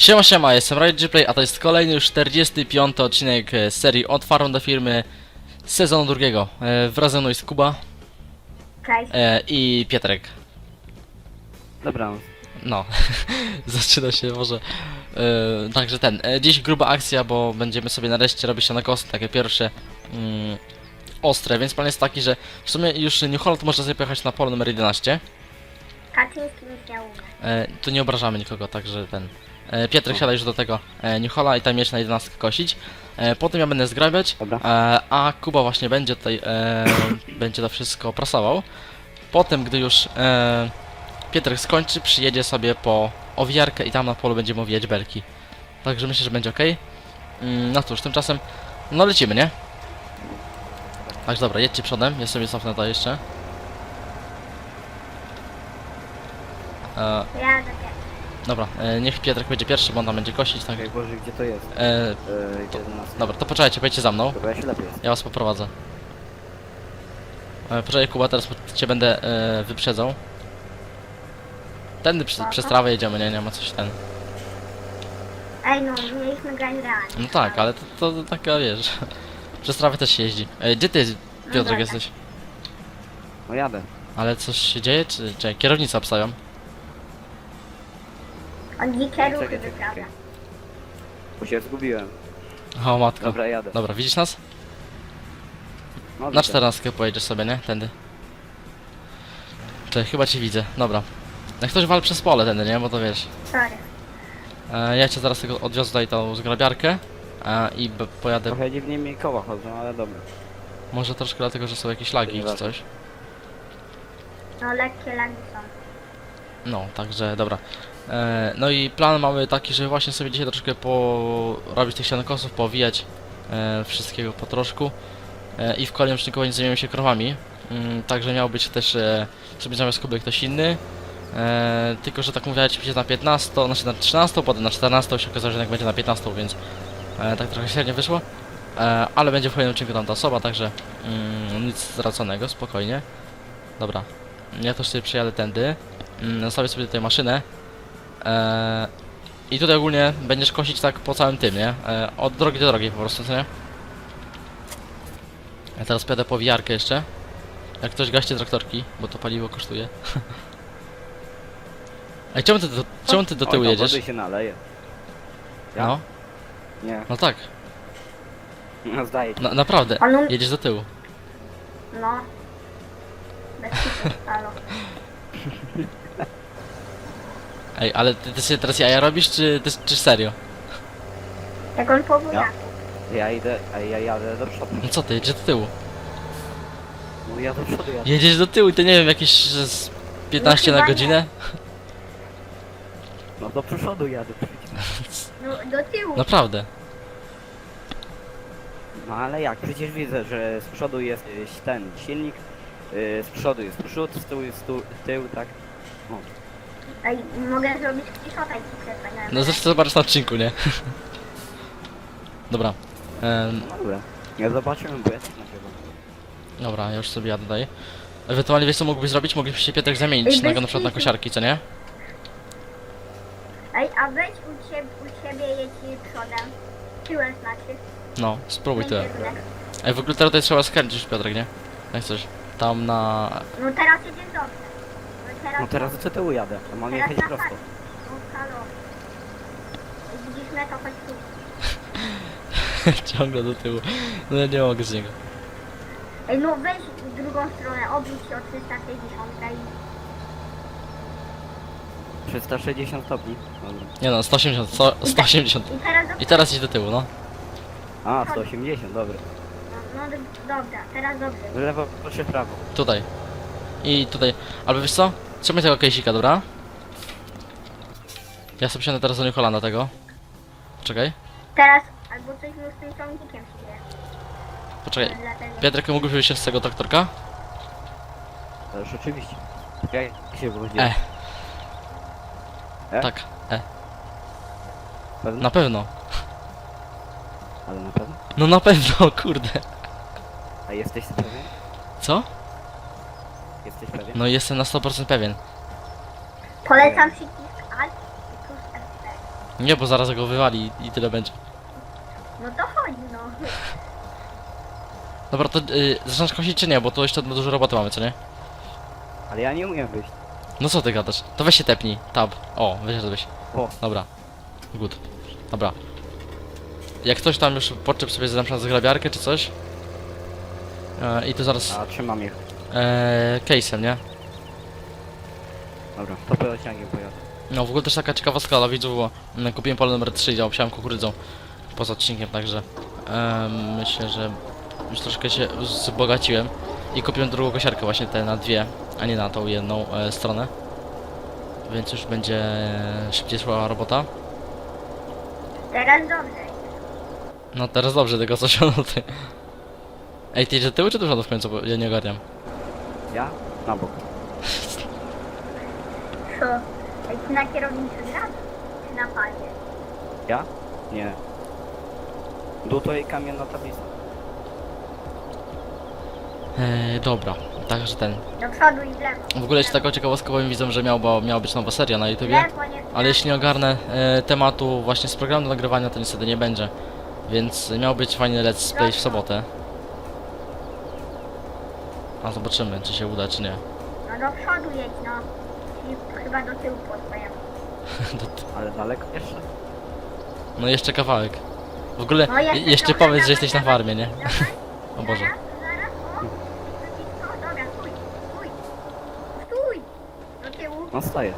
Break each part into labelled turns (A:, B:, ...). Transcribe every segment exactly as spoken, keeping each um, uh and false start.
A: Siema, siema, jestem RideGplay, a to jest kolejny już czterdziesty piąty odcinek z serii Od Farm do Firmy z sezonu drugiego. E, wraz ze mną jest Kuba
B: Cześć.
A: e, i Pietrek.
C: Dobra.
A: No, zaczyna się może. E, także ten, e, dziś gruba akcja, bo będziemy sobie nareszcie robić się na kosy, takie pierwsze mm, ostre, więc plan jest taki, że w sumie już New Holland można sobie pojechać na pole numer jedenaście.
B: Kaczyński nic nie umie.
A: E, tu nie obrażamy nikogo, także ten. E, Pietrek siada już do tego e, New Holla i tam mieć na jedenastkę kosić. E, potem ja będę zgrabiać,
C: Dobra.
A: e, a Kuba właśnie będzie tutaj, e, będzie to wszystko prasował. Potem, gdy już e, Pietrek skończy, przyjedzie sobie po owijarkę i tam na polu będziemy owijać belki. Także myślę, że będzie ok. Mm, no cóż, tymczasem, no lecimy, nie? Także dobra, jedźcie przodem, ja sobie cofnę to jeszcze. E,
B: Ja do ciebie.
A: dobra, e, niech Pietrek będzie pierwszy, bo on tam będzie kosić, tak?
C: Jak Boże, gdzie to jest?
A: E,
C: Eee, jedenaście.
A: dobra, to poczekajcie, pojedźcie za mną.
C: Dobra, ja się lepiej jest.
A: Ja was poprowadzę. E, poczekaj Kuba, teraz cię będę e, wyprzedzał. Tędy przy, przez trawę jedziemy, nie, nie ma coś ten.
B: Ej no, mieliśmy grać realnie.
A: No tak, ale to, to, to taka wiesz. Przez trawę też się jeździ. E, gdzie ty, Piotrek,
B: dobra.
A: jesteś?
C: No jadę.
A: Ale coś się dzieje, czy, czy kierownicę obstawiam?
B: On dzikie ruchy
C: Czekaj, czekaj,
B: wyprawia.
C: czekaj. Bo się zgubiłem.
A: O matko.
C: Dobra, jadę.
A: Dobra, widzisz nas?
C: No,
A: Na
C: widzę.
A: czternastkę pojedziesz sobie, nie? Tędy. Cześć, chyba cię widzę. Dobra. Jak ktoś wal przez pole tędy, nie? Bo to wiesz.
B: Sorry.
A: E, ja cię zaraz tylko odwiozę tutaj tą zgrabiarkę. E, I b- pojadę.
C: Trochę dziwnie mi koła chodzą, ale dobra.
A: Może troszkę dlatego, że są jakieś lagi czy
C: Nieważne.
A: coś.
B: No lekkie lagi są.
A: No, także dobra. E, no i plan mamy taki, że właśnie sobie dzisiaj troszkę porobić tych sianokosów, powijać e, wszystkiego po troszku. E, I w kolejnym odcinku będzie zajmiemy się krowami. Mm, także miał być też e, sobie zamiast Kuby ktoś inny. E, tylko, że tak mówię, ci na piętnastą, znaczy na trzynastą, potem na czternastą się okazało, że jednak będzie na piętnastą, więc e, tak trochę średnio wyszło. E, ale będzie w kolejnym odcinku tam ta osoba, także mm, nic straconego, spokojnie. Dobra, ja też sobie przyjadę tędy. Mm, Zostawię sobie tutaj maszynę. Eee, I tutaj ogólnie będziesz kosić tak po całym tym, nie? Eee, od drogi do drogi po prostu, co nie? Ja teraz pojadę po wijarkę jeszcze. Jak ktoś gaście traktorki, bo to paliwo kosztuje. Ej, czemu ty do, czemu ty do tyłu
C: Oj, tam
A: jedziesz?
C: wody się naleje. Ja?
A: No,
C: Nie.
A: no tak,
C: No zdaje się.
A: na, naprawdę,
B: On um...
A: jedziesz do tyłu.
B: No. Bez kitu stalo.
A: Ej, ale ty, ty sobie teraz jaja robisz, czy, ty, czy serio?
B: Jak on powód
C: Ja? Ja idę, a ja jadę do przodu.
A: No co ty, jedziesz do tyłu?
C: No ja do przodu jadę.
A: Jedziesz do tyłu i to nie wiem, jakieś że z piętnaście
B: No
A: na
B: chyba
A: godzinę?
C: No do przodu jadę przecież.
B: No do tyłu.
A: Naprawdę.
C: No ale jak? Przecież widzę, że z przodu jest y, ten silnik, y, z przodu jest przód, z tyłu jest tu, tył, tak? O.
B: Ej, mogę zrobić kiszota i ci przesłać.
A: No zresztą zobaczysz na odcinku, nie? Dobra. Em,
C: No dobra. Ja zobaczyłem, bo ja też nagrywam.
A: dobra, ja już sobie jadę tutaj. Ewentualnie wiesz co mógłbyś zrobić? Moglibyście się Pietrek zamienić
B: Ej,
A: na,
B: bez
A: na przykład na
B: kitu.
A: kosiarki, co nie?
B: Ej, a weź u ciebie, u ciebie jedź przodem. Tyłem znaczy.
A: No, spróbuj to.
B: Będzie kierunek.
A: Ej, w ogóle teraz tutaj trzeba skręcić Piotrek, nie? Jak coś. Tam na...
B: No teraz jedziesz dobrze. No teraz...
C: No teraz do tyłu jadę, a mam
B: Teraz
C: jechać
B: na
C: prosto.
B: tak. No halo. Ej, widzisz mnie, to chodź tu.
A: ciągle do tyłu. No ja nie mogę z niego.
B: Ej, no weź w drugą stronę, obróć się o trzysta sześćdziesiąt i...
C: trzysta sześćdziesiąt stopni. Dobra.
A: Nie no, sto osiemdziesiąt, sto, sto osiemdziesiąt.
B: I teraz do...
A: I teraz idź do tyłu, no.
C: A, sto osiemdziesiąt, dobra.
B: No, no do- dobra, teraz dobrze.
C: W lewo, proszę w prawo.
A: Tutaj. I tutaj. Albo wiesz co? Trzymaj tego kejsika, dobra? Ja sobie siądę teraz do New Hollanda tego. Czekaj.
B: Teraz, albo coś mu z tym ciągnikiem się dzieje.
A: Poczekaj.
B: Dlatego-
A: Piotrek, mógłbyś wyjść z tego traktorka?
C: Ależ oczywiście. Jak się wychodzi?
A: E.
C: E?
A: Tak, e.
C: Pewno?
A: Na pewno.
C: Ale na pewno?
A: No na pewno, kurde.
C: A jesteś pewien?
A: Co?
C: Jesteś pewien?
A: No jestem na sto procent pewien.
B: Polecam przycisk Alt i plus F cztery.
A: Nie, bo zaraz go wywali i tyle będzie.
B: No to chodzi, no.
A: Dobra, to y, zaczynasz kosić czy nie? Bo to jeszcze dużo roboty mamy, co nie?
C: Ale ja nie umiem wyjść.
A: No co ty gadasz? To weź się tepnij. Tab. O, wyszedłeś.
C: O,
A: Dobra. Good. Dobra. Jak ktoś tam już podczep sobie na przykład zgrabiarkę czy coś. E, I to zaraz...
C: a trzymam ich.
A: E, case'em, nie?
C: Dobra, to pociągiem pojadę.
A: No w ogóle też taka ciekawostka dla widzów, bo mm, kupiłem pole numer trzy i obsiałem kukurydzą poza odcinkiem, także em, myślę, że już troszkę się wzbogaciłem i kupiłem drugą kosiarkę właśnie tę na dwie, a nie na tą jedną e, stronę, więc już będzie szybciej szła robota.
B: Teraz dobrze.
A: No teraz dobrze, tylko coś o ty. Ej, ty idziesz do tyłu czy do przodu w końcu, bo ja nie ogarniam.
C: Ja? Na bok.
B: Co? Ej, ty na kierownicy grasz? Czy na padzie?
C: Ja? Nie. Dół to i kamienna tablica.
A: E, dobra, także ten.
B: Do przodu i w lewo.
A: W ogóle jeszcze taką ciekawostkę powiem widzom, że miał, bo miała być nowa seria na
B: W
A: YouTubie.
B: lewo, nie w
A: Ale
B: prawo.
A: jeśli nie ogarnę e, tematu właśnie z programu do nagrywania, to niestety nie będzie. Więc miał być fajny let's play w sobotę. A zobaczymy, czy się uda, czy nie.
B: No do przodu jedź, no. Czyli chyba do tyłu po twojemu.
C: Ale daleko jeszcze?
A: No jeszcze kawałek. W ogóle
B: No jeszcze
A: jeszcze
B: trochę,
A: powiedz, że
B: dawaj,
A: jesteś na
B: dawaj.
A: farmie, nie?
B: Dawaj,
A: O Boże.
B: zaraz, zaraz, o. No dobra, stój, stój. Stój. Do tyłu.
C: No staję.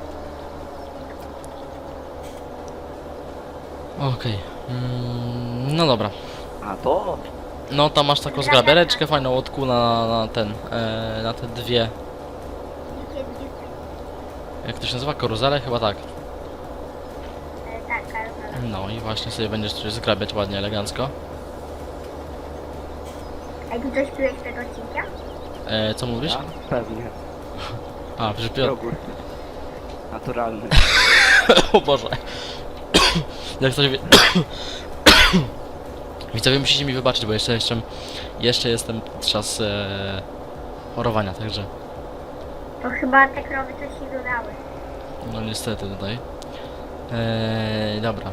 A: Okej. Mm, no dobra.
C: A to?
A: No tam masz taką zgrabiareczkę fajną od kół na, na ten, e, na te dwie,
B: Dzikie, dzikie.
A: jak to się nazywa? Karuzele? Chyba tak.
B: E, tak, karuzela.
A: No i właśnie sobie będziesz coś zgrabiać ładnie, elegancko.
B: Ej, ty coś piłeś przed odcinkiem?
A: E, co mówisz?
C: Ja? Pewnie.
A: A, że Piotr.
C: Jogurt. Naturalny.
A: O Boże. Jak coś wie... Widzowie, musicie mi wybaczyć, bo jeszcze jeszcze, jeszcze jestem czas e, chorowania, także
B: To chyba te krowy coś się dodały.
A: no niestety tutaj. E, dobra.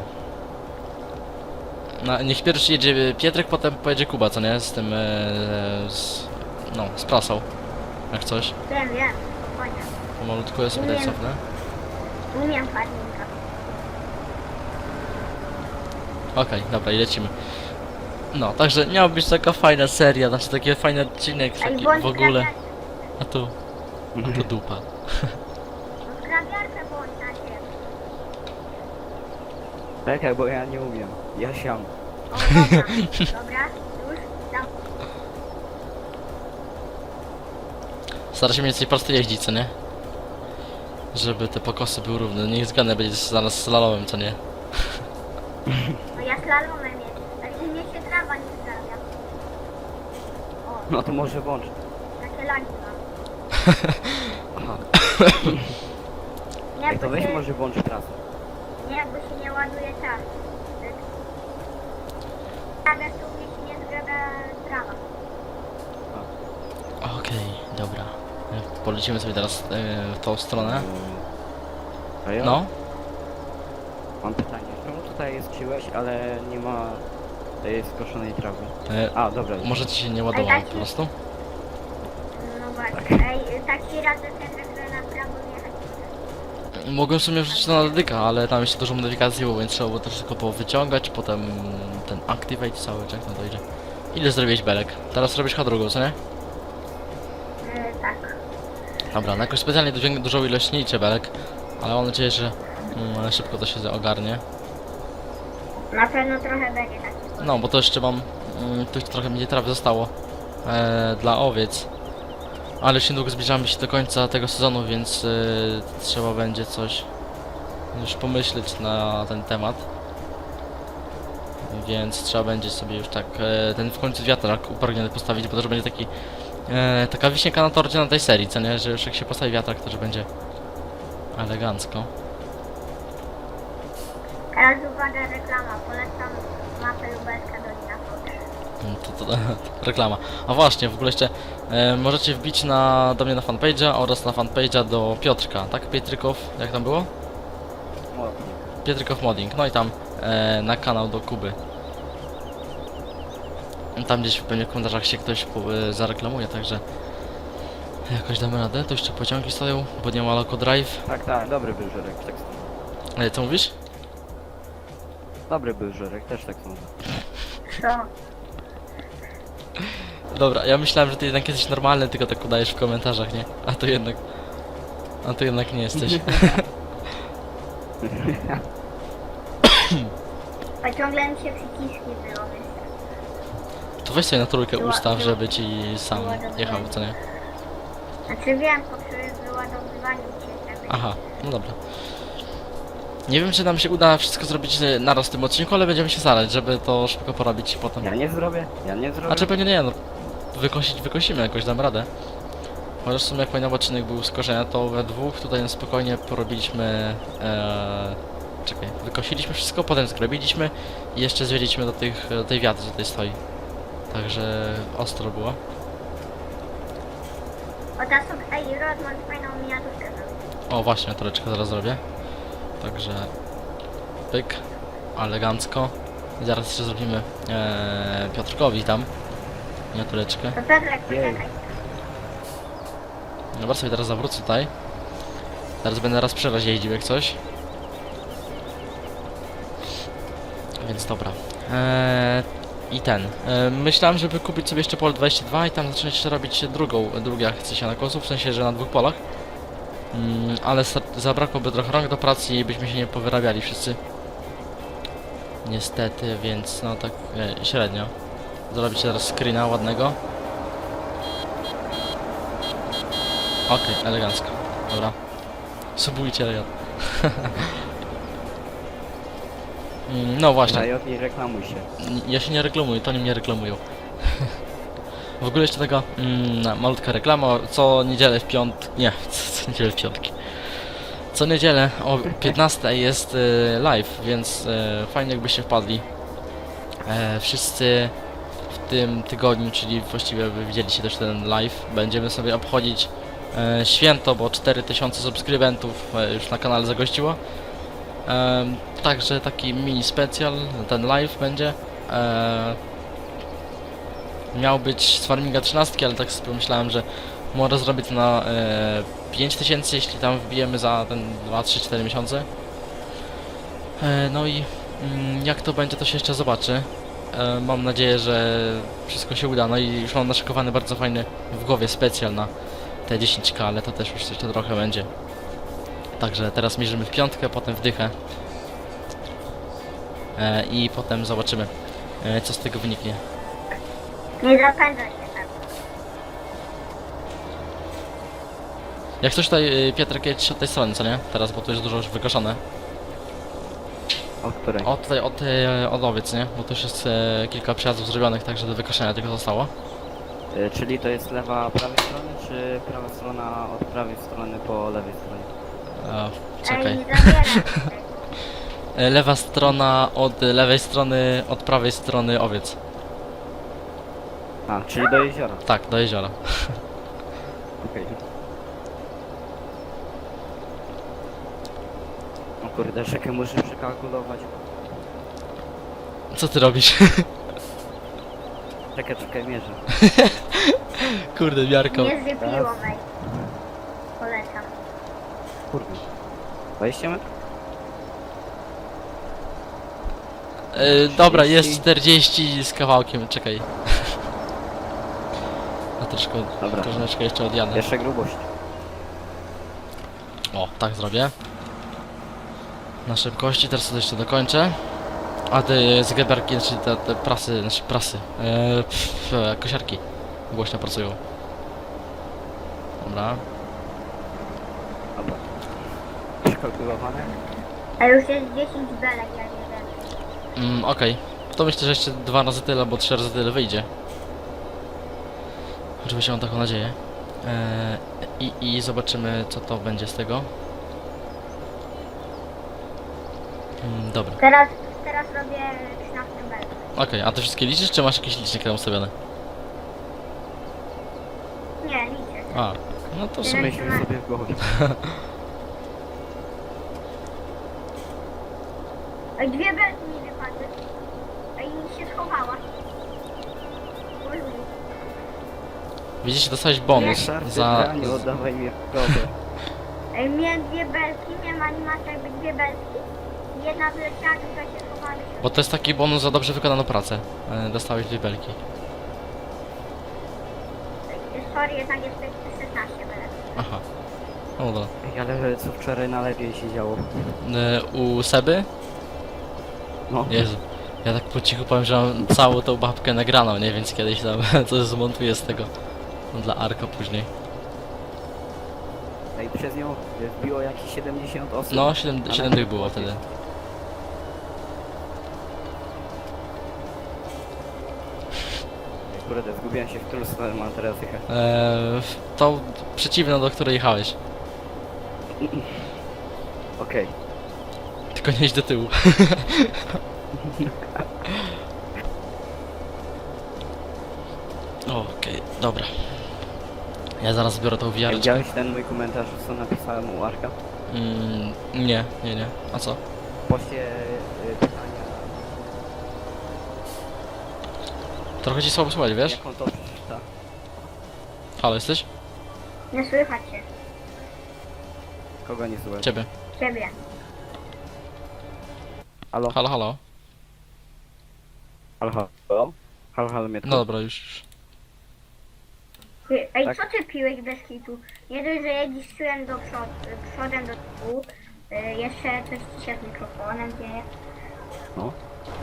A: No, niech pierwszy jedzie Pietrek, potem pojedzie Kuba, co nie? Z tym, e, z, no, z prasą. Jak coś.
B: Wiem, wiem. Spokojnie.
A: Pomalutku ja sobie tutaj cofnę.
B: Umiem farminga.
A: Okej, dobra i lecimy. No, także miała być taka fajna seria, znaczy taki fajny odcinek,
B: Ej,
A: taki
B: bądź
A: w ogóle.
B: grabiarkę.
A: A tu, a tu dupa.
B: No grabiarkę bądź na ciebie.
C: Czekaj, bo ja nie umiem. Ja siam.
B: O, dobra. Dobra, już. Tam.
A: Stara się mniej więcej prosto jeździć, co nie? Żeby te pokosy były równe. Niech zgadnę, będzie zaraz slalomem, co nie?
B: No ja slalomem jest. Ale mnie się trawa nie zgrabia. O,
C: No to może włącz.
B: takie lagi mam.
C: Aha.
B: Nie,
C: Ej, to
B: bo
C: weź
B: się,
C: może włącz trasę.
B: nie, bo się nie ładuje czas. Zgrabia tu mnie się nie zgrabia trawa.
A: Okej, dobra. E, Polecimy sobie teraz e, w tą stronę.
C: A ja
A: No,
C: mam pytanie. Czemu tutaj jest czyłeś, ale nie ma tej skoszonej trawy?
A: e,
C: A, dobra.
A: może ci się nie ładowało po prostu?
B: No właśnie. Ej, taki raz ten, że na prawo jechać.
A: Mogłem w sumie wrzucić to na dedyka, ale tam jeszcze dużo modyfikacji było, więc trzeba było też tylko powyciągać, potem ten activate cały, czy jak tam to idzie. Ile zrobiłeś belek? Teraz robisz H drugą, co nie?
B: E, tak.
A: Dobra, no jakoś specjalnie dużą, dużą ilość nie liczę belek, ale mam nadzieję, że mm, szybko to się ogarnie.
B: Na pewno trochę będzie taki.
A: No, bo to jeszcze mam, mm, tu trochę mnie trawy zostało e, dla owiec. Ale już niedługo zbliżamy się do końca tego sezonu, więc e, trzeba będzie coś już pomyśleć na ten temat. Więc trzeba będzie sobie już tak e, ten w końcu wiatrak upragniony postawić, bo to już będzie taki e, taka wisienka na torcie na tej serii, co nie? Że już jak się postawi wiatrak, to już będzie elegancko.
B: Teraz uwaga, reklama. Polecam mapę lubelska Dolina Fox.
A: Mm, To, to, to reklama. A właśnie, w ogóle jeszcze e, możecie wbić na, do mnie na fanpage'a oraz na fanpage'a do Piotrka, tak? Pietrykow, jak tam było?
C: Młotnik.
A: Pietrkow Modding, no i tam e, na kanał do Kuby. Tam gdzieś pewnie w komentarzach się ktoś po, e, zareklamuje, także jakoś damy radę. To jeszcze pociągi stoją, bo nie ma Loco Drive.
C: Tak, tak, dobry był żurek, tak samo.
A: E, co mówisz?
C: Dobry był żurek, też tak samo.
B: Co?
A: Dobra, ja myślałem, że ty jednak jesteś normalny, tylko tak udajesz w komentarzach, nie? A to jednak... A to jednak nie jesteś.
B: A ciągle mi się przyciski wyłączyły.
A: To weź sobie na trójkę ustaw, żeby ci sam jechał, co nie?
B: Znaczy wiem, po przy wyładowywaniu się tak.
A: Aha, no dobra. Nie wiem, czy nam się uda wszystko zrobić e, naraz w tym odcinku, ale będziemy się starać, żeby to szybko porobić potem.
C: Ja nie zrobię, ja nie zrobię.
A: Znaczy pewnie nie, no wykosić wykosimy jakoś, dam radę. Chociaż w sumie jak pamiętam odcinek był z korzenia, to we dwóch tutaj na spokojnie porobiliśmy... E, czekaj, wykosiliśmy wszystko, potem zgrabiliśmy i jeszcze zwiedziliśmy do, tych, do tej wiatry, co tutaj stoi. Także ostro było.
B: O, ta są, ej, Rodman fajną miniaturkę zrobił.
A: O właśnie, toreczkę zaraz zrobię. Także... Pyk. Elegancko. I zaraz jeszcze zrobimy e, Piotrkowi tam miniatureczkę.
B: To Piotrek,
C: Jej.
B: poczekaj.
A: Dobra, sobie teraz zawrócę tutaj. Teraz będę raz przy raz jeździł jak coś. Więc dobra. Eee, I ten. Eee, myślałem, żeby kupić sobie jeszcze pole dwadzieścia dwa i tam zacząć jeszcze robić drugą, drugie akcje sianokosów, w sensie, że na dwóch polach. Mm, ale za- zabrakłoby trochę rąk do pracy i byśmy się nie powyrabiali wszyscy. Niestety, więc no tak e, średnio. Zrobić teraz screena ładnego. Okej, elegancko. Dobra. Subujcie Riot. Mm, no właśnie.
C: Riot, nie reklamuj się.
A: Ja się nie reklamuję, to oni mnie reklamują. W ogóle jeszcze taka mm, malutka reklama. Co niedzielę w piąt... Nie, co, co niedzielę w piątki. Co niedzielę o piętnastej jest y, live, więc y, fajnie jakbyście wpadli. E, wszyscy w tym tygodniu, czyli właściwie wy widzieliście też ten live, będziemy sobie obchodzić e, święto, bo cztery tysiące subskrybentów e, już na kanale zagościło. E, także taki mini specjal, ten live będzie. E, miał być z Farminga trzynaście, ale tak sobie pomyślałem, że może zrobić to na e, pięć tysięcy, jeśli tam wbijemy za ten dwa, trzy, cztery miesiące. E, no i mm, jak to będzie, to się jeszcze zobaczy. E, mam nadzieję, że wszystko się uda. No i już mam naszykowany bardzo fajny w głowie specjal na te dziesięć ka, ale to też już jeszcze trochę będzie. Także teraz mierzymy w piątkę, potem w dychę. E, I potem zobaczymy, e, co z tego wyniknie.
B: Nie zapędzaj się tak.
A: Jak coś tutaj, y, Piotrek, jedź od tej strony, co nie? Teraz, bo tu jest dużo już wykoszone.
C: Od której?
A: O, tutaj od, y, od owiec, nie? Bo tu już jest y, kilka przejazdów zrobionych, także do wykoszenia tego zostało.
C: Y, czyli to jest lewa prawej strony, czy prawa strona od prawej strony po lewej stronie?
A: E,
B: Ej,
A: czekaj.
B: nie zabieraj tego.
A: E, lewa strona od lewej strony, od prawej strony owiec.
C: A, czyli do jeziora.
A: Tak, do jeziora.
C: Okej. O kurde, czekaj, muszę przekalkulować.
A: Co ty robisz?
C: Czekaj, czekaj, mierzę.
A: Kurde, miarką.
B: Nie zrypiło, wej. Polecam.
C: Kurde. dwadzieścia metrów?
A: E, dobra, jest czterdzieści z kawałkiem, czekaj. A troszkę,
C: Dobra.
A: troszeczkę jeszcze odjadę.
C: Jeszcze grubość.
A: O, tak zrobię. Na szybkości, teraz to jeszcze dokończę. A te zegarki, znaczy te, te prasy, znaczy prasy, eee, pff, e, kosiarki głośno pracują. Dobra.
C: Dobra. Przekalkulowane?
B: A już jest dziesięć belek, ja nie wiem.
A: Mm, okej. To myślę, że jeszcze dwa razy tyle, albo trzy razy tyle wyjdzie. Oczywiście mam taką nadzieję. Eee, i, I zobaczymy, co to będzie z tego. Mm, dobra.
B: Teraz, teraz robię trzynaście belek.
A: Okej, a ty wszystkie liczysz, czy masz jakiś licznik tam ustawiony?
B: Nie, liczę.
A: A, no to w sumie...
C: Myślmy sobie w głowie.
B: Ej, dwie belki mi wypadły. Ej, się schowała. Oj, oj.
A: Widzicie, dostałeś bonus
C: Szarty,
A: za...
C: branie, oddawaj mi kogo.
B: Ej, miałem dwie belki, miałem animację jakby dwie belki. Jedna wyleciała, druga się schowała.
A: Bo to jest taki bonus za dobrze wykonaną pracę. E, Dostałeś dwie belki.
B: Ej, sorry, jednak jest szesnaście belek.
A: Aha. No dobra.
C: Ej, ale co wczoraj na lewie się działo?
A: E, U Seby?
C: No.
A: Jezu. Ja tak po cichu powiem, że mam całą tą babkę nagraną, nie? Więc kiedyś tam coś zmontuję z tego. Dla Arka później.
C: Ej, przez nią wbiło jakieś siedemdziesiąt osób.
A: No, siedem,
C: Ale-
A: siedem tych było wtedy.
C: Ej, kurde, zgubiłem się w którą stronę mam teraz jechać.
A: Eee, tą przeciwną, do której jechałeś.
C: Okej.
A: Tylko nie idź do tyłu. Okej, dobra. Ja zaraz zbiorę tą
C: Ej,
A: wiareczkę.
C: Widziałeś ten mój komentarz, co napisałem u Arka?
A: Mm, nie, nie, nie. A co?
C: W poście y, pytania,
A: Trochę ci słabo słuchać, wiesz?
C: jak on to przeczyta.
A: Halo, jesteś?
B: Nie słychać się.
C: Kogo nie słuchaj?
A: Ciebie.
B: Ciebie.
C: Halo?
A: Halo, halo.
C: Halo, halo? Halo, halo, mnie
A: No dobra, już. już.
B: Ty- Ej,
C: Tak.
B: co ty piłeś bez hitu? Nie dość, że jedziesz tyłem do przodu, przodem do tyłu. y, Jeszcze coś ci się z mikrofonem dzieje.
C: No.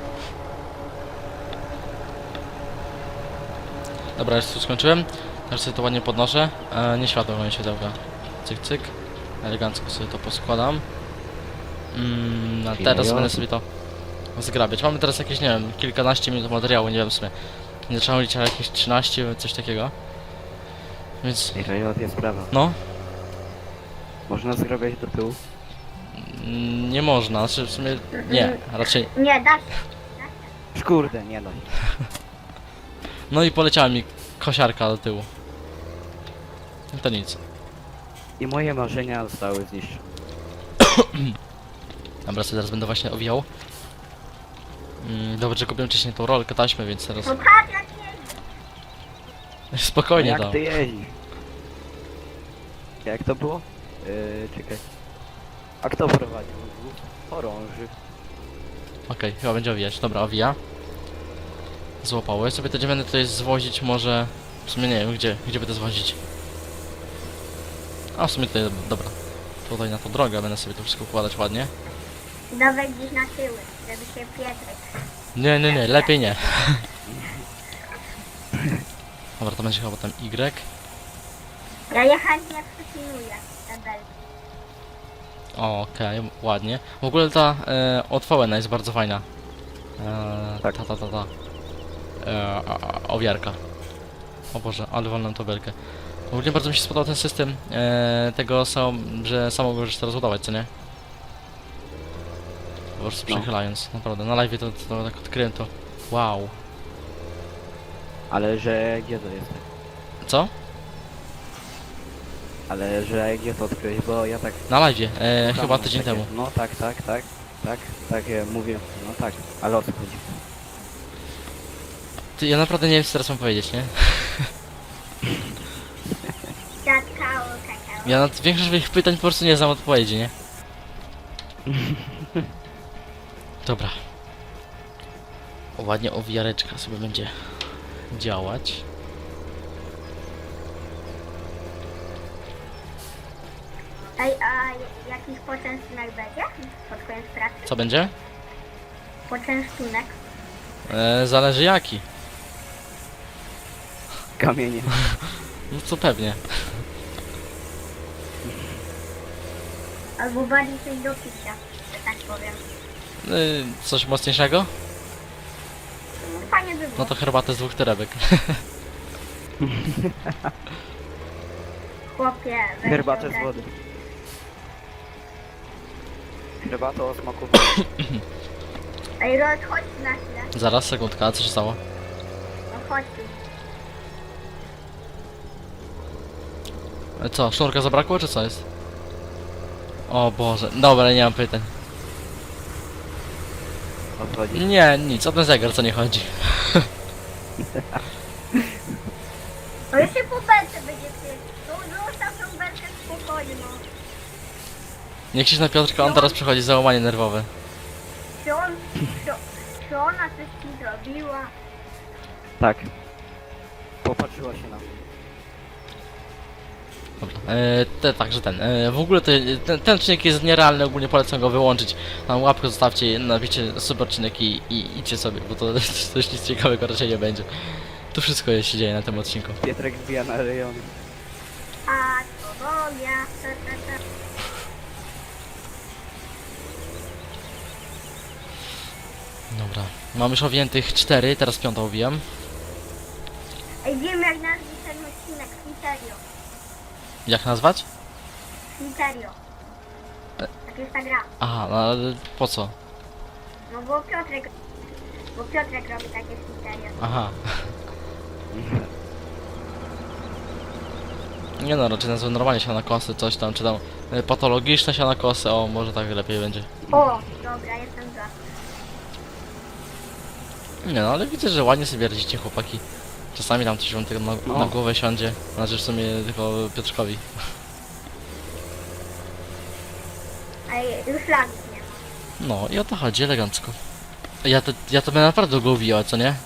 A: Dobra, już tu skończyłem. Teraz sobie to ładnie podnoszę. E, nie światło moje siodełka. Cyk, cyk. Elegancko sobie to poskładam. Mm, a teraz
C: Chwila.
A: będę sobie to zgrabiać. Mamy teraz jakieś, nie wiem, kilkanaście minut materiału, nie wiem w sumie. Nie trzeba mówić, ale jakieś trzynaście, coś takiego. Więc,
C: Ej, Rejot, jest sprawa.
A: no,
C: Można zgrabiać do tyłu?
A: mm, nie można, znaczy w sumie nie, raczej.
B: Nie, da się.
C: Kurde, nie no.
A: No i poleciała mi kosiarka do tyłu. No to nic.
C: I moje marzenia zostały zniszczone.
A: Dobra, sobie zaraz będę właśnie owijał. Mm, dobrze, że kupiłem wcześniej tą rolkę taśmy, więc teraz
B: No patrz jak jeździ.
A: spokojnie
C: jak
A: tam.
C: ty jeździsz? Jak to było? Yy, czekaj. A kto prowadził? Chorąży.
A: Okej, chyba będzie owijać. Dobra, owija. Złapało. Ja sobie to będę tutaj zwozić może... W sumie nie wiem, gdzie, gdzie by to zwozić. A w sumie tutaj, dobra. Tutaj na tą drogę będę sobie to wszystko układać ładnie.
B: Dawaj gdzieś na tyły, żeby się Pietrek.
A: Nie, nie, nie, lepiej nie. Dobra, to będzie chyba tam Y.
B: Ja je chętnie przypilnuję te belki.
A: Okej, ładnie. W ogóle ta e, otwołena jest bardzo fajna. E,
C: Tak.
A: Ta, ta, ta, ta. E, a, a, owiarka. O Boże, ale wolną tą belkę. W ogóle bardzo mi się spodobał ten system e, tego, sam, że samo możesz to rozładować, co nie? Po prostu
C: No.
A: przechylając, naprawdę. Na live to, to tak odkryłem to. Wow.
C: Ale że gdzie to jest?
A: Co?
C: Ale że gdzie to odkryłeś? Bo ja tak...
A: Na live, e,
C: słucham,
A: chyba tydzień
C: takie,
A: temu.
C: No tak, tak, tak. Tak, tak, ja mówię. No tak, ale o co chodzi?
A: Ty, ja naprawdę nie wiem, co teraz mam powiedzieć, nie?
B: Kakao, kakao.
A: Ja na większość swoich pytań po prostu nie znam odpowiedzi, nie? Dobra. O, ładnie owijareczka sobie będzie działać.
B: Ej, a jakiś poczęstunek będzie pod koniec pracy?
A: Co będzie?
B: Poczęstunek.
A: E, zależy jaki.
C: Kamienie.
A: No co pewnie.
B: Albo bardziej coś do picia, że tak powiem.
A: E, coś mocniejszego?
B: No, fajnie by było.
A: No to herbatę z dwóch torebek.
B: Chłopie, weź
C: Herbatę
B: ogarnij.
C: z wody. Herbatę o smaku.
B: Ej, Rod, chodź tu na chwilę.
A: Zaraz, sekundka, a co się stało?
B: No chodź tu.
A: E, co, sznurka zabrakło, czy co jest? O Boże, dobra, nie mam pytań.
C: chodzi?
A: Nie, nic, o ten zegar co nie chodzi.
B: No jeszcze po belce będzie ty. No zostaw tą belkę w spokoju, no.
A: Nie krzyż na Piotrka, on teraz przechodzi załamanie nerwowe.
B: Czy on, czy, czy ona coś ci zrobiła?
C: Tak. Popatrzyła się na mnie.
A: Dobra, e, te, także ten. E, w ogóle to, ten, ten odcinek jest nierealny, ogólnie polecam go wyłączyć. Tam łapkę zostawcie, napiszcie super odcinek i, i idźcie sobie, bo to coś nic ciekawego raczej nie będzie. Tu wszystko jest, się dzieje na tym odcinku.
C: Pietrek wbija na rejony.
B: A to Bogia. Ta, ta, ta.
A: Dobra, mam już owiniętych cztery, teraz piątą owijam.
B: Ej, wiem jak nazwać ten odcinek. Fliterio.
A: Jak nazwać?
B: Fliterio. Tak jest ta gra.
A: Aha, no ale po co?
B: No bo Piotrek... Bo Piotrek robi takie fliterio.
A: Aha. Nie no, raczej nazwę normalnie sianokosy, coś tam, czy tam y, patologiczne sianokosy, o może tak lepiej będzie.
B: O, dobra, jestem za.
A: Nie no, ale widzę, że ładnie sobie radzicie chłopaki. Czasami tam coś wam tego na,
C: No.
A: na głowę siądzie, znaczy w sumie tylko Piotrkowi.
B: Ej, już lagów nie ma.
A: No i o to chodzi, elegancko. Ja to, ja to będę naprawdę go uwijał, co nie?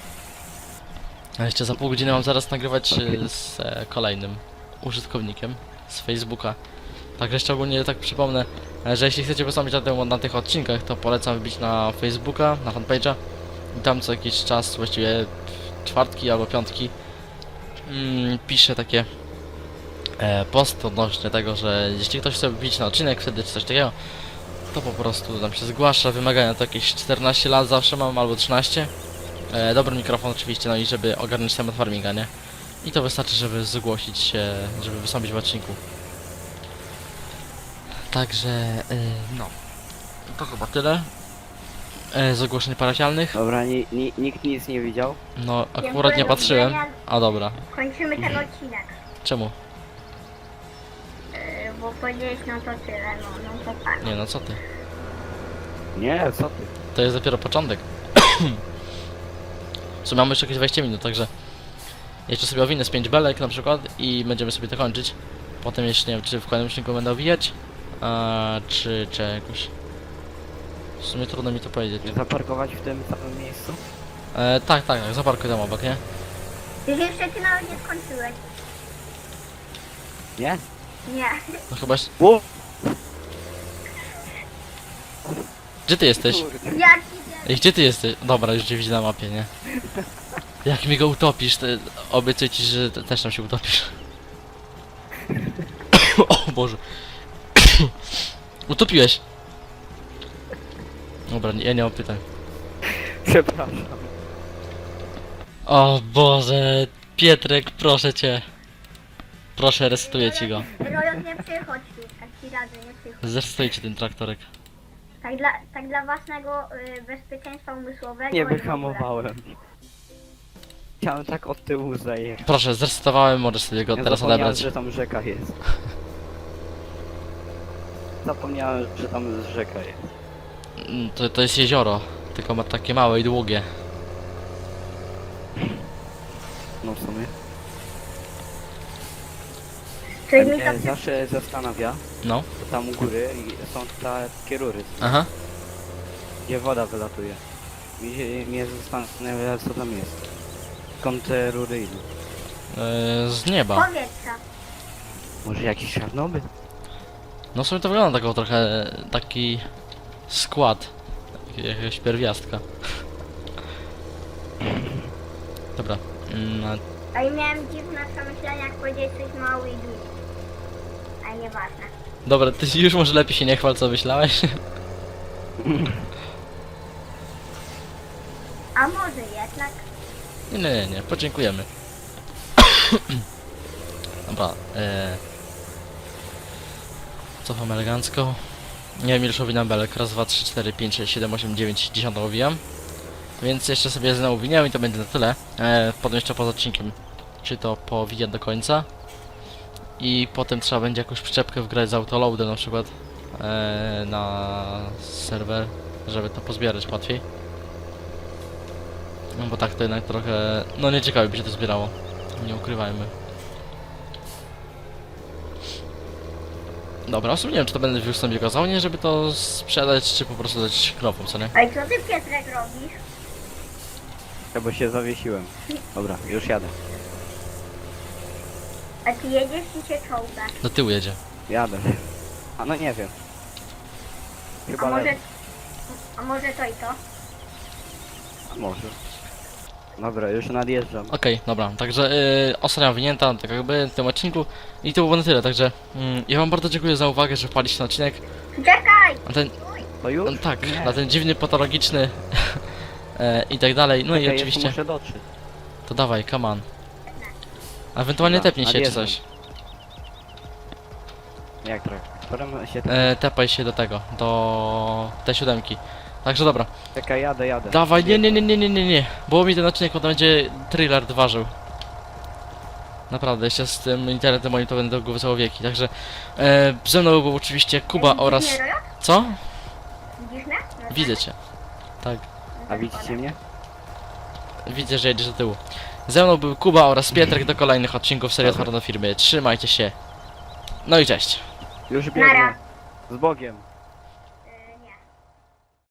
A: A jeszcze za pół godziny mam zaraz nagrywać y, z e, kolejnym użytkownikiem z Facebooka. Także jeszcze ogólnie tak przypomnę, e, że jeśli chcecie wystąpić na, tym, na tych odcinkach, to polecam wbić na Facebooka, na fanpage'a i tam co jakiś czas, właściwie czwartki albo piątki, mm, piszę takie e, post odnośnie tego, że jeśli ktoś chce wbić na odcinek wtedy czy coś takiego, to po prostu tam się zgłasza. Wymagania to jakieś czternaście lat zawsze mam, albo trzynaście. E, dobry mikrofon oczywiście, no i żeby ogarnąć temat farminga, nie? I to wystarczy, żeby zgłosić się, żeby wystąpić w odcinku. Także, e, no. To chyba tyle. E, z ogłoszeń parafialnych.
C: Dobra, ni, ni, nikt nic nie widział.
A: No, akurat nie patrzyłem. A dobra.
B: Kończymy ten odcinek.
A: Czemu?
B: Yy, bo powiedziałeś no to tyle, no, no to tak.
A: Nie no, co ty?
C: Nie, co ty?
A: To jest dopiero początek. W sumie mamy jeszcze jakieś dwadzieścia minut, także jeszcze sobie owinę z pięć belek na przykład i będziemy sobie to kończyć. Potem jeszcze nie wiem, czy w kolejnym odcinku będę owijać, a, czy, czy jakoś... W sumie trudno mi to powiedzieć.
C: Zaparkować w tym samym miejscu?
A: E, tak, tak, tak, zaparkuj tam obok, nie?
B: Ty jeszcze ty nawet nie skończyłeś.
C: Nie?
B: Nie.
A: No chyba... jeszcze-
C: O!
A: Gdzie ty jesteś?
C: Kurde.
B: Jak idzie?
A: Ej, gdzie ty jesteś? Dobra, już cię widzę na mapie, nie? Jak mi go utopisz, to obiecuję ci, że te- też tam się utopisz. O Boże. Utopiłeś. Dobra, nie- ja nie mam pytań.
C: Przepraszam.
A: O Boże, Pietrek, proszę cię. Proszę, resetuję ci go.
B: Rojot, nie przychodź tu, tak ci radzę, nie przychodź.
A: Zresetujcie ten traktorek.
B: Tak dla, tak dla własnego y, bezpieczeństwa umysłowego.
C: Nie
B: i w ogóle.
C: wyhamowałem. Chciałem tak od tyłu zajechać.
A: Proszę, zresetowałem, możesz sobie go
C: Ja
A: teraz
C: zapomniałem,
A: odebrać.
C: że tam rzeka jest. Zapomniałem, że tam rzeka jest.
A: Mm, To, to jest jezioro, tylko ma takie małe i długie.
C: No w sumie.
B: Coś mi to
C: Mnie
B: przy...
C: zawsze zastanawia,
A: No,
C: bo tam u góry i są takie rury,
A: aha.
C: gdzie woda wylatuje. Mi się, mnie zastanawia, co tam jest. Skąd te rury idą?
A: Yy, z nieba.
B: powietrza.
C: Może jakiś Czarnobyl?
A: No w sumie to wygląda taką trochę taki skład jakiegoś pierwiastka. Dobra. Mm,
B: A i miałem dziwne przemyślenia, jak powiedziałeś coś mały i długi. Ale nieważne.
A: dobra, ty już może lepiej się nie chwal, co myślałeś.
B: A może jednak?
A: Nie, nie, nie, nie, podziękujemy. Dobra, e... cofam elegancko. Nie wiem, ile owinam belek. Raz, dwa, trzy, cztery, pięć, sześć, siedem, osiem, dziewięć, dziesięć owijam. Więc jeszcze sobie znowu winiam i to będzie na tyle. E, potem jeszcze poza odcinkiem, czy to powijać do końca. I potem trzeba będzie jakąś przyczepkę wgrać z autoloadem na przykład e, na serwer, żeby to pozbierać łatwiej. No bo tak to jednak trochę... No nieciekawie by się to zbierało. Nie ukrywajmy. Dobra, w sumie nie wiem, czy to będę już sobie kazał, nie, żeby to sprzedać, czy po prostu dać krowom, co nie?
B: Ale co ty, Piotrek, robisz?
C: Ja bo się zawiesiłem. Dobra, już jadę.
B: A ty jedziesz czy się czołgasz?
A: Do tyłu jedzie.
C: Jadę. A no nie wiem.
B: A
C: Chyba
B: może...
C: lepiej.
B: A może to i to?
C: A może. Dobra, już nadjeżdżam.
A: Okej, dobra, także yy, ostatnia winięta, tak jakby w tym odcinku i to było na tyle, także mm, ja wam bardzo dziękuję za uwagę, że wpadliście na odcinek.
B: Czekaj!
A: Na ten,
C: To już?
A: no, tak,
C: Nie.
A: na ten dziwny, patologiczny e, i tak dalej, no i
C: Czekaj,
A: oczywiście,
C: jeszcze muszę dotrzeć.
A: to dawaj, come on. A ewentualnie
C: Dobra,
A: tepnij się czy
C: nadjeżdżam.
A: coś,
C: Jak traktorem się...
A: e, tepaj się do tego, do tej siódemki. Także dobra,
C: Czekaj, jadę, jadę.
A: dawaj, nie, nie, nie, nie, nie, nie, nie, bo mi ten odcinek potem będzie thriller ważył. Naprawdę, jeszcze z tym internetem moim to będę go całe wieki, także e, ze mną był oczywiście Kuba
B: Widzisz
A: oraz...
B: mnie, Rojo?
A: Co?
B: Widzisz mnie? No
A: Widzę
B: tak.
A: cię. Tak,
C: A widzicie mnie?
A: widzę, że jedziesz do tyłu. Ze mną był Kuba oraz Pietrek do kolejnych odcinków serii Otwarta do Firmy. Trzymajcie się. No i cześć.
C: Już
B: Nara.
C: biegnę. Z Bogiem.